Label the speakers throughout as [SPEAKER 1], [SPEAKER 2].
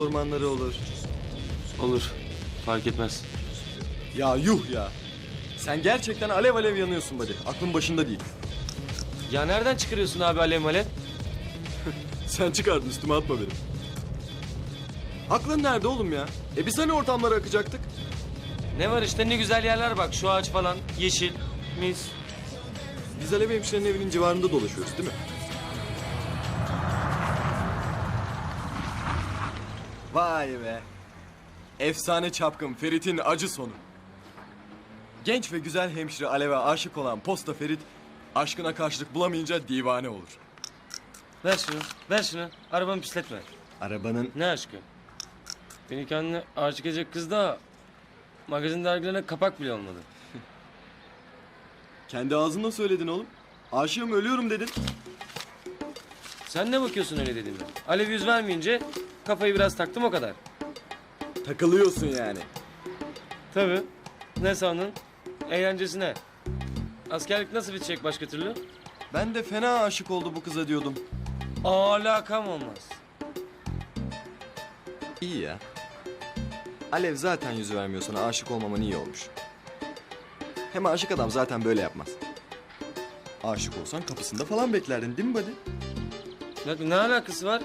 [SPEAKER 1] ormanları olur.
[SPEAKER 2] Olur. Fark etmez.
[SPEAKER 1] Ya yuh ya. Sen gerçekten alev alev yanıyorsun buddy. Aklın başında değil.
[SPEAKER 2] Ya nereden çıkarıyorsun abi alev malev?
[SPEAKER 1] Sen çıkardın, üstüme atma benim. Aklın nerede oğlum ya? Biz hani ortamlara akacaktık?
[SPEAKER 2] Ne var işte, ne güzel yerler bak. Şu ağaç falan. Yeşil. Mis.
[SPEAKER 1] Biz Alev hemşirenin evinin civarında dolaşıyoruz değil mi? Vay be. Efsane çapkın Ferit'in acı sonu. Genç ve güzel hemşire Alev'e aşık olan Posta Ferit, aşkına karşılık bulamayınca divane olur.
[SPEAKER 2] Ver şunu. Ver şunu. Arabamı pisletme.
[SPEAKER 1] Arabanın...
[SPEAKER 2] Ne aşkı? Beni kendine aşık edecek kız da magazin dergilerine kapak bile olmadı.
[SPEAKER 1] Kendi ağzınla söyledin oğlum. Aşığım, ölüyorum dedin.
[SPEAKER 2] Sen ne bakıyorsun öyle dediğime? Alev yüz vermeyince kafayı biraz taktım, o kadar.
[SPEAKER 1] Takılıyorsun yani.
[SPEAKER 2] Tabii. Ne sandın? Eğlencesine. Askerlik nasıl bitecek başka türlü?
[SPEAKER 1] Ben de fena aşık oldu bu kıza diyordum.
[SPEAKER 2] Alakam olmaz.
[SPEAKER 1] İyi ya. Alev zaten yüz vermiyor sana, aşık olmaman iyi olmuş. Hem aşık adam zaten böyle yapmaz. Aşık olsan kapısında falan beklerdin değil mi buddy?
[SPEAKER 2] Ne alakası var?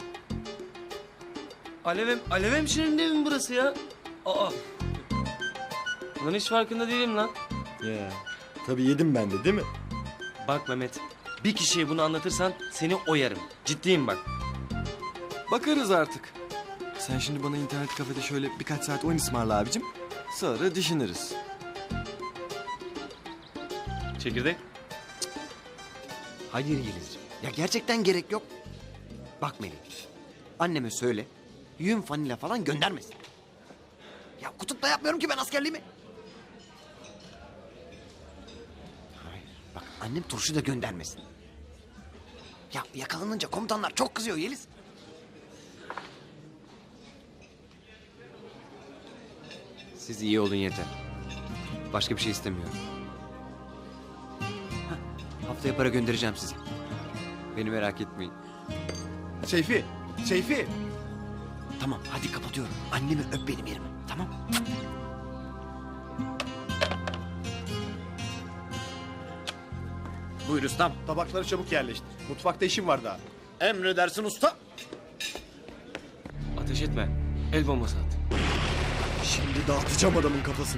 [SPEAKER 2] Alev hemşirenin evi mi burası ya? Aa. Lan hiç farkında değilim lan.
[SPEAKER 1] Ya. Tabii yedim ben de değil mi?
[SPEAKER 2] Bak Mehmet, bir kişiye bunu anlatırsan seni oyarım. Ciddiyim bak.
[SPEAKER 1] Bakarız artık. Sen şimdi bana internet kafede şöyle birkaç saat oyun ısmarla abicim. Sonra düşünürüz.
[SPEAKER 2] Çekirdek?
[SPEAKER 3] Hayır Yelizciğim. Ya gerçekten gerek yok. Bak Melih. Anneme söyle. Yün fanila falan göndermesin. Ya kutupta yapmıyorum ki ben askerliğimi. Hayır. Bak annem turşu da göndermesin. Ya yakalanınca komutanlar çok kızıyor Yeliz. Siz iyi olun yeter. Başka bir şey istemiyorum. Haftaya para göndereceğim size. Beni merak etmeyin.
[SPEAKER 1] Seyfi.
[SPEAKER 3] Tamam hadi kapatıyorum. Annemi öp benim yerime. Tamam.
[SPEAKER 4] Buyur ustam. Tabakları çabuk yerleştir. Mutfakta işim var daha. Emredersin usta.
[SPEAKER 2] Ateş etme. El bombası at.
[SPEAKER 1] Şimdi dağıtacağım adamın kafasını.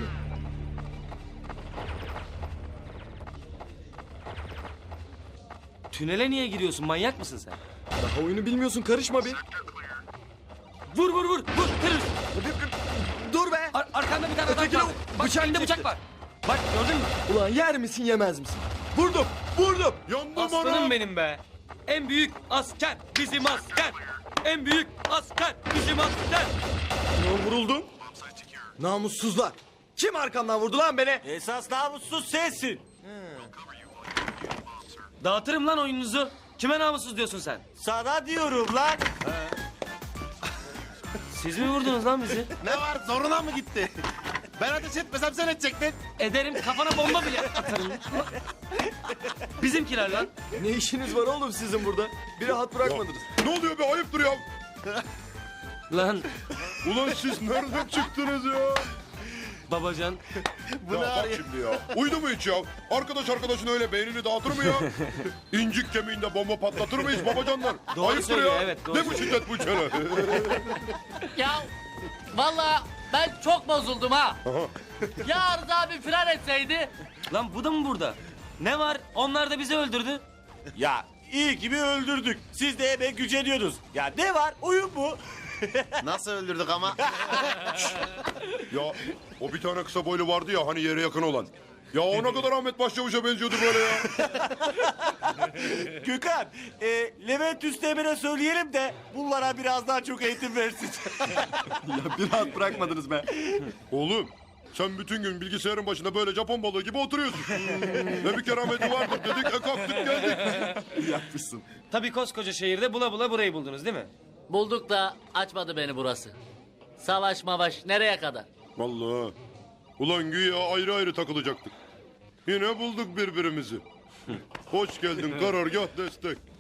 [SPEAKER 2] Tünele niye giriyorsun? Manyak mısın sen?
[SPEAKER 1] Daha oyunu bilmiyorsun, karışma bir.
[SPEAKER 2] Vur! Terörist!
[SPEAKER 1] Dur be!
[SPEAKER 2] Arkanda bir tane adam
[SPEAKER 1] Ötekine
[SPEAKER 2] var. Bak
[SPEAKER 1] bıçak
[SPEAKER 2] elinde
[SPEAKER 1] çekti.
[SPEAKER 2] bıçak var. Bak gördün mü?
[SPEAKER 1] Ulan yer misin yemez misin? Vurdum! Yandım
[SPEAKER 2] Aslanım benim be. En büyük asker bizim asker. En büyük asker bizim asker.
[SPEAKER 1] Vuruldum. Namussuzlar. Kim arkamdan vurdu lan beni?
[SPEAKER 4] Esas namussuz sensin.
[SPEAKER 2] Dağıtırım lan oyununuzu. Kime namussuz diyorsun sen?
[SPEAKER 4] Sana diyorum lan.
[SPEAKER 2] Siz mi vurdunuz lan bizi?
[SPEAKER 4] Ne var zoruna mı gitti? Ben ateş etmesem sen edecektin.
[SPEAKER 2] Ederim, kafana bomba bile atarım. Bizimkiler lan.
[SPEAKER 1] Ne işiniz var oğlum sizin burada? Bir rahat bırakmadınız.
[SPEAKER 5] Ne oluyor be, ayıptır ya.
[SPEAKER 2] Lan
[SPEAKER 5] Ulan siz nereden çıktınız ya?
[SPEAKER 2] babacan.
[SPEAKER 5] Ya bak şimdi ya. Uydu mu hiç ya? Arkadaş arkadaşın öyle beynini dağıtır mı ya? İncik kemiğinde bomba patlatır mıyız babacanlar?
[SPEAKER 2] Doğru
[SPEAKER 5] Ayıptır
[SPEAKER 2] söylüyor,
[SPEAKER 5] ya.
[SPEAKER 2] evet, doğru
[SPEAKER 5] Ne bu şiddet bu çene?
[SPEAKER 6] Ya vallahi ben çok bozuldum ha. Ya Rıza abi firar etseydi.
[SPEAKER 2] Lan bu da mı burada? Ne var? Onlar da bizi öldürdü.
[SPEAKER 4] Ya iyi ki bir öldürdük. Siz de hemen güceniyorsunuz. Ya ne var? Oyun bu. Nasıl öldürdük ama?
[SPEAKER 5] Ya o bir tane kısa boylu vardı ya, hani yere yakın olan. Ya ona kadar Ahmet Başçavuş'a benziyordu böyle ya.
[SPEAKER 4] Gökhan, Levent Üsteğmen'e söyleyelim de bunlara biraz daha çok eğitim versin.
[SPEAKER 1] Ya bir rahat bırakmadınız be.
[SPEAKER 5] Oğlum sen bütün gün bilgisayarın başında böyle Japon balığı gibi oturuyorsun. Ne bir kerameti vardır dedik, kalktık geldik.
[SPEAKER 1] Yapmışsın.
[SPEAKER 2] Tabii koskoca şehirde bula bula burayı buldunuz değil mi?
[SPEAKER 6] Bulduk da açmadı beni burası. Savaş mavaş nereye kadar?
[SPEAKER 5] Vallahi. Ulan güya ayrı ayrı takılacaktık. Yine bulduk birbirimizi. Hoş geldin karargah destek.